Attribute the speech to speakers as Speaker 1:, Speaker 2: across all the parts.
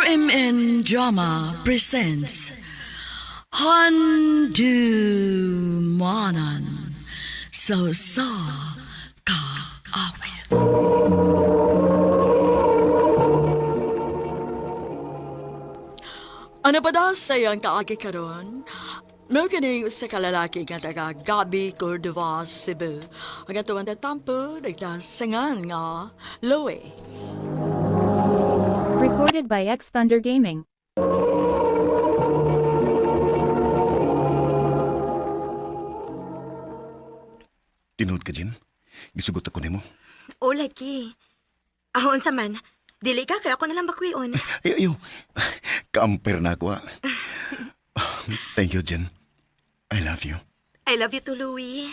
Speaker 1: RMN Drama presents Handu Manan So Ka Awit. Ano ba daw sayang kaagi karon? No kini sa kalalaki nga taga Gabi, Cordova, Cebu. Ang atuan na tampo, nagdasangan nga Loe.
Speaker 2: Recorded by X Thunder Gaming.
Speaker 3: Tinood ka, Jen? Gisugot ako nimo.
Speaker 4: O, lagi. Ahon sa man. Dili ka, kaya ako nalang bakwion.
Speaker 3: Ayaw. Ka-ampere na ako, ah. Thank you, Jen. I love you.
Speaker 4: I love you too, Louie.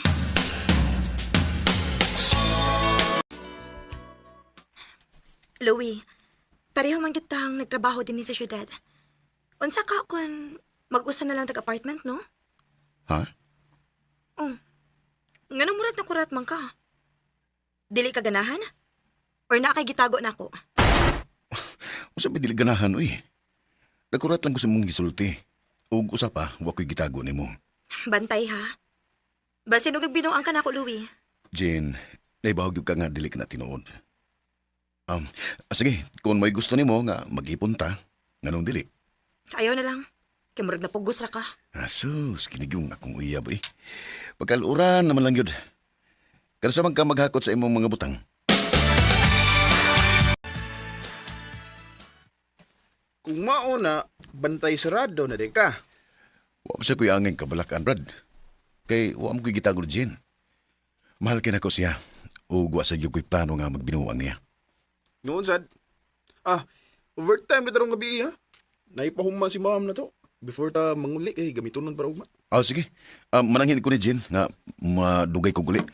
Speaker 4: Louie, pareho man kitang nagtrabaho din sa syudad. Unsa ka kung mag-usa na lang tag-apartment, no?
Speaker 3: Ha?
Speaker 4: Oh, nga murat na kurat man ka. Dili ka ganahan? Or na kay gitago na ako?
Speaker 3: Usap dili ganahan, uy. Nakurat lang ko sa mong gisulti. Ug usa pa, wa ko'y gitago nimo.
Speaker 4: Bantay, ha? Basin og binuang ka na ako, Louie.
Speaker 3: Jen, naibawag yung ka nga dili ka na tinuod. Sige, kung may gusto nimo nga mag-ipon ta, nganong dili?
Speaker 4: Ayaw na lang. Kaya murag na pugos ra ka.
Speaker 3: Asus, kinigyong akong uyab, eh. Pagkaluran naman lang yun. Kansa man ka maghakot sa imong mga butang.
Speaker 5: Kung mauna, bantay sarado na di ka.
Speaker 3: Wa pa siya kuya angin kabalakan, Brad. Kay wa mo ko'y gitago ni Jen. Mahal kinako siya. O wa sa iyo ko'y plano nga magbinuang niya.
Speaker 5: Noon sad. Overtime na darong gabi ha. Naipahuman si ma'am na to. Before ta manguli kay gamitonon para ugma.
Speaker 3: Sige. Mananghin ko ni Jen nga madugay ko guli.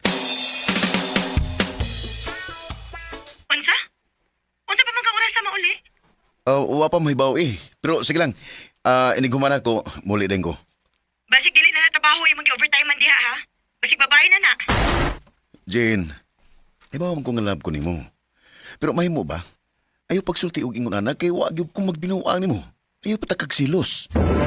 Speaker 4: Unsa? Unsa pa man ka oras sa mauli?
Speaker 3: Wa pa mahibaw eh. Pero sige lang. Iniguman ako, muli din ko.
Speaker 4: Basig dili na trabaho imong gi-overtime man diha, ha? Basig babae na na.
Speaker 3: Jen, ibaw man ko nga love ko nimo. Pero mahimo ba? Ayaw pagsulti og ingon anak kay wa gyud ko magbinuang nimo. Ayaw patakag silos.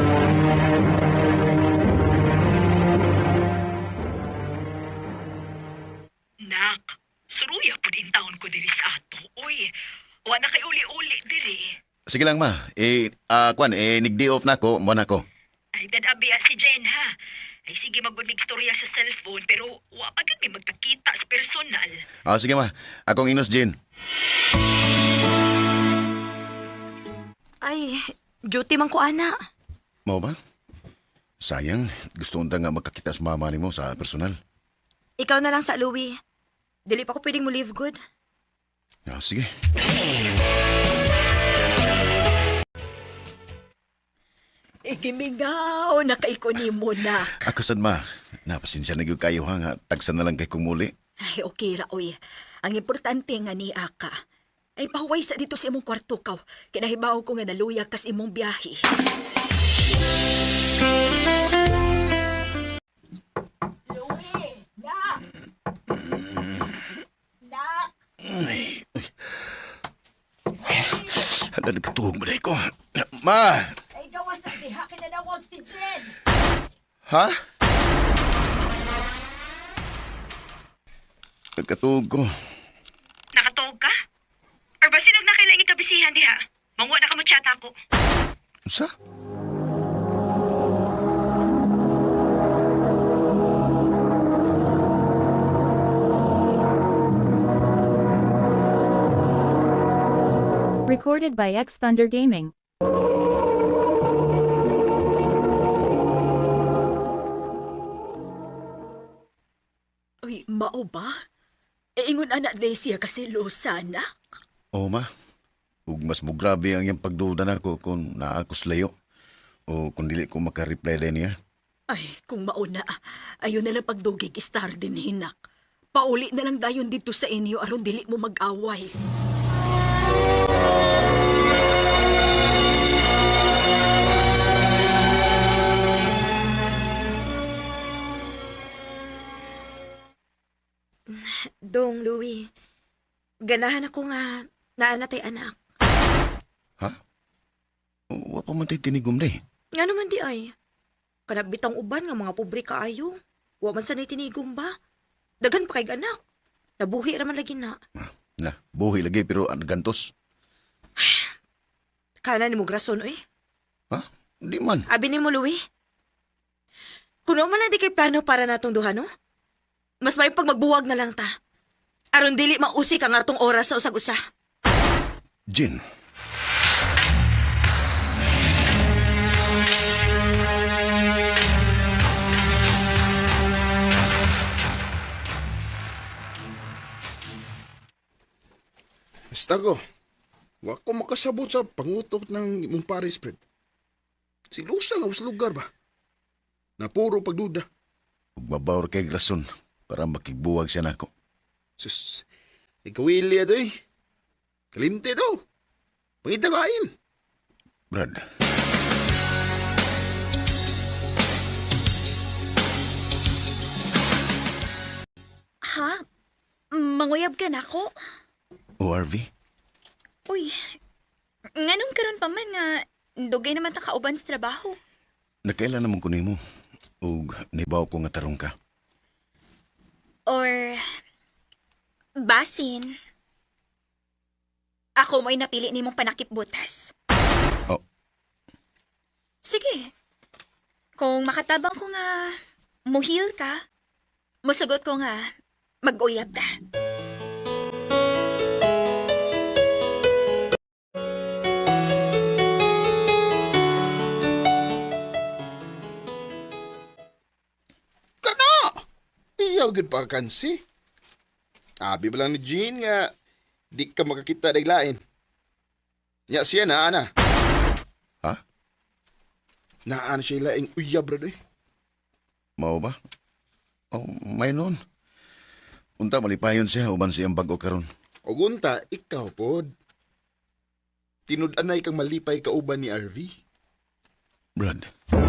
Speaker 6: Nak, suruya po din taon ko diri sa ato. Uy, wa na kay uli-uli diri.
Speaker 3: Sige lang ma. Nigdi off na ako, mo na ako.
Speaker 6: Ay, dadabi si Jen, ha? Ay, sige magbunig storya sa cellphone, pero wa pa gud may magkakita sa personal.
Speaker 3: Sige ma. Akong inos Jen.
Speaker 4: Ay, duty man ko, ana.
Speaker 3: Mao ba? Sayang, gusto unta nga magkakita sa mama nimo sa personal.
Speaker 4: Ikaw na lang sa Louie. Dili pa ko pwedeng mo live good.
Speaker 3: Sige.
Speaker 6: Igimingaw na kay ko ni mo, nak.
Speaker 3: Ako sad ma. Napasensya na gyud kayo ha nga tagsan na lang kay kong muli.
Speaker 6: Ay, okay ra, uy. Ang importante nga ni Aka. Ay, pahuway sa dito sa imong kwarto kaw. Kinahibaw ko nga naluya kas imong biyahe. Louie! Nak! Nak!
Speaker 3: Hala, nagkatuhog mo na ko. Ma!
Speaker 6: Ay, gawas na diha kinanawag si Jen!
Speaker 3: Ha? Nagkatuhog ko.
Speaker 6: Nakatuog ka? Or ba sinog na kailangan ikabisihan diha? Mangwa na ka mo chat ako.
Speaker 3: Sa?
Speaker 2: Recorded by X Thunder Gaming.
Speaker 6: Uy, mao ba? E ingon anak siya kasi losa, anak.
Speaker 3: Oo ma. Ug mas mo grabe ang iyang pagduda na ko kung naakos layo. O kung dili ko makareply din niya.
Speaker 6: Ay, kung mauna, ayaw na lang pagdugig star din hinak. Pauli na lang dayon dito sa inyo aron dili mo mag-away.
Speaker 4: Dong, Louie. Ganahan ako nga naanatay anak.
Speaker 3: Ha? Wa pa man tayo tinigom day.
Speaker 4: Nga naman di ay. Kanag bitang uban nga mga pobre kaayo. Wa man sanay tinigong ba? Dagan pa kay anak. Nabuhi raman lagi na.
Speaker 3: Na, buhi lagi pero ang gantos.
Speaker 4: Kana ni mo grason eh.
Speaker 3: Ha? Di man.
Speaker 4: Abi ni mo, Louie. Kuno man na di kay plano para natong duha, no? Mas may pag magbuwag na lang ta. Aron dili mausik ang atong oras sa usag-usa.
Speaker 3: Jin,
Speaker 5: Basta ko. Wa ko makasabot sa pangutok ng imong Paris, Fred. Silusa nga sa lugar ba? Na puro pagduda.
Speaker 3: ug mabawr kay rason para makigbuwag siya nako.
Speaker 5: Sus, ikaw ili ato eh. Kalimte daw. Pangitalain.
Speaker 3: Brad,
Speaker 6: Ha? Manguyab ka na ako?
Speaker 3: ORV?
Speaker 6: Uy, nganong karon pa man nga dugay naman ta kauban sa trabaho.
Speaker 3: Nakailan naman ko nimo ug nibaw ko nga tarong ka.
Speaker 6: Or basin. Ako mo'y napili nimong panakip butas.
Speaker 3: Oh,
Speaker 6: Sige. Kung makatabang ko nga muhil ka, musugot ko nga mag-uyab ta.
Speaker 5: Kana! Iyaw gud pa kansi. Abi ba lang ni Jean nga di ka makakita daglain. Ya siya na ana.
Speaker 3: ha?
Speaker 5: Naan siya laing uyab ra doy.
Speaker 3: Mao ba? Oh, may nun. Unta malipayon siya uban siyang bag-o karon.
Speaker 5: Og unta ikaw pod. Tinud-anay kang malipay kauban ni RV.
Speaker 3: Brad.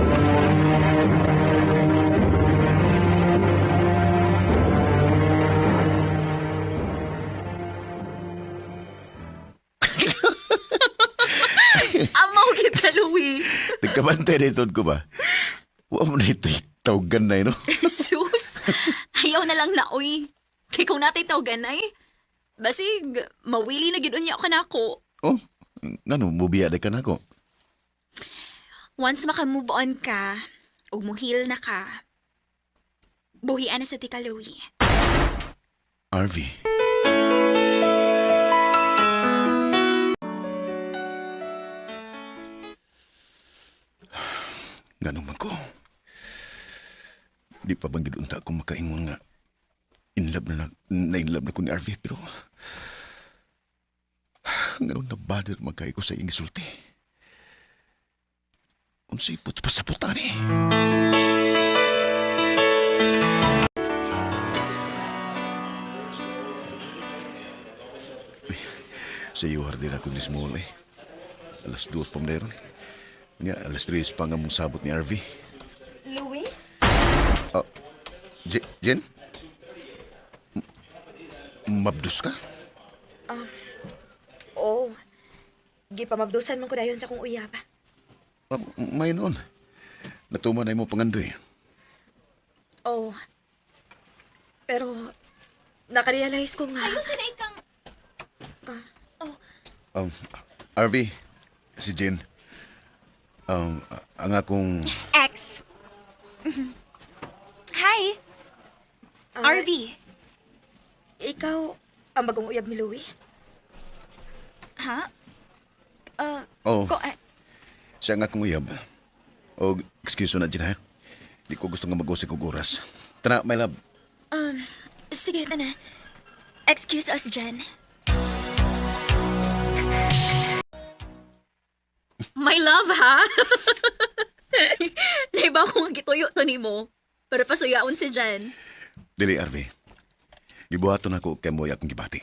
Speaker 6: Amaw kita, Louie.
Speaker 3: Nagkabantay na itod ko ba? Wa mo na ito'y tawgan na no?
Speaker 6: Sus, ayaw na lang na, uy. Kay kung natay tawganay, basig, mawili na ginunya ka na ako.
Speaker 3: Oh, ngano, mubiya na ka na ko.
Speaker 6: Once maka-move on ka, ug muhil na ka, buhian na sa tika, Louie.
Speaker 3: RV. Ganun man ko. Di pa bang gidunta ko makaingon nga in love na ko ni RV pero ganun na bother magkay ko sa ingisulti. Unsay put pa sa putani. Sa iyo din ako ni Small eh. Alas 2 pa meron. Nga, alas 3 pa nga mong sabot ni RV.
Speaker 4: Louie?
Speaker 3: Jen? Mabdus ka?
Speaker 4: Oo. Gipamabdusan man ko dayon sa kong uyab.
Speaker 3: May noon. Natuman na mo pangandoy.
Speaker 4: Oo. Pero, nakarealize ko nga.
Speaker 6: Sana ikang...
Speaker 3: RV, si Jen. Ang akong...
Speaker 6: Ex. Hi, RV.
Speaker 4: Ikaw, ang bagong uyab ni Louie?
Speaker 6: Ha?
Speaker 3: Oh,
Speaker 6: Ko,
Speaker 3: siya nga akong uyab. O, excuse na Jen ha. Di ko gusto nga mag-usik og oras. Tara, my love.
Speaker 6: sige, tana. Excuse us, Jen. My love, ha? Naiba ko nga gituyo to ni mo para pasuyaon si Jen.
Speaker 3: Dili, RV. Gibuhaton ako kay mo akong gibati.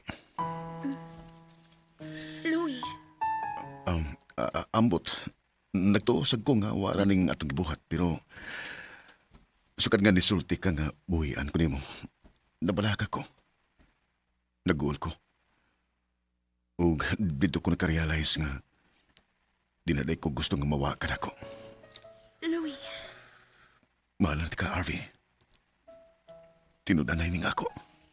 Speaker 6: Louie.
Speaker 3: Ambot. Nagtuosag ko nga wala ning atong gibuhat pero sukad nga nisulti ka nga buhian ko nimo. Nabalaka ko. Naguol ko. Ug dito ko nakarealize nga Dinaday ko gusto nga mawakan ako.
Speaker 4: Louie,
Speaker 3: Mahal na ka, Harvey. Tinudanay ning ako.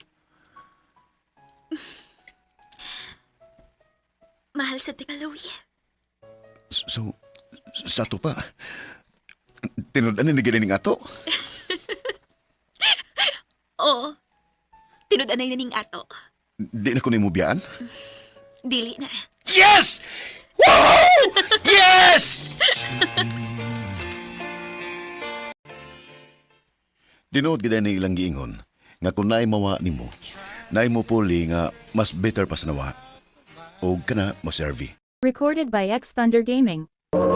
Speaker 4: mahal sa tika, Louie.
Speaker 3: So, sa to pa. Tinudanay ni ning ato.
Speaker 7: Oo. Tinudanay na ning ato.
Speaker 3: Di na ko nimo biyaan.
Speaker 7: Dili na.
Speaker 3: Yes! Wow! Yes! Dinood gid ni ilang giingon nga kung naay mawa nimo, naay mo puli nga mas better pa sa nawa. O kana mo serve.
Speaker 2: Recorded by X Thunder Gaming.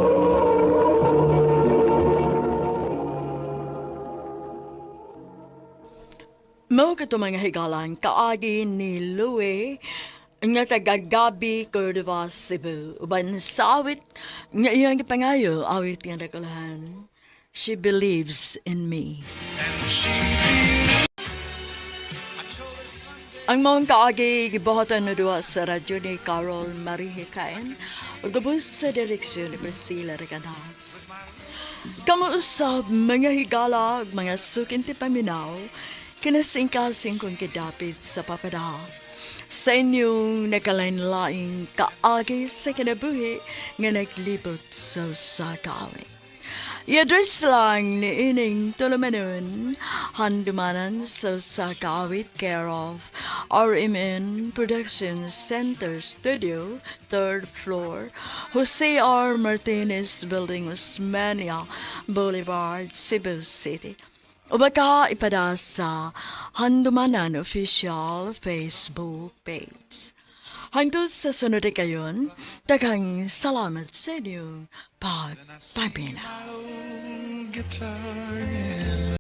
Speaker 1: Mao kato mga higalan kaagi ni Louie nga taga Gabi, Cordova, Cebu. Uban sa awit nga iyang gipangayo, awit nga nakulahan. She believes in me. Ang mga kaagi gibuhatan na duwa sa radyo ni Carol Marie Hikain o gabos sa direksyon ni Priscilla Regadas. Kamuusab mga higala ug mga sukinti paminaw kinasingkasing kong kidapit sa papada. Sa inyong nakalain-laing kaagi sa kinabuhi nga naglibot sa sakawin. I-address lang ni Ining Tulumanon, handumanan sa sakawit care of RMN Production Center Studio, 3rd floor, Jose R. Martinez Building, Osmania Boulevard, Cebu City. O baka ipada sa Handumanan Official Facebook page. Hangtod sa sunod kayon, daghang salamat sa inyo pagpapinaw.
Speaker 8: Guitar, yeah.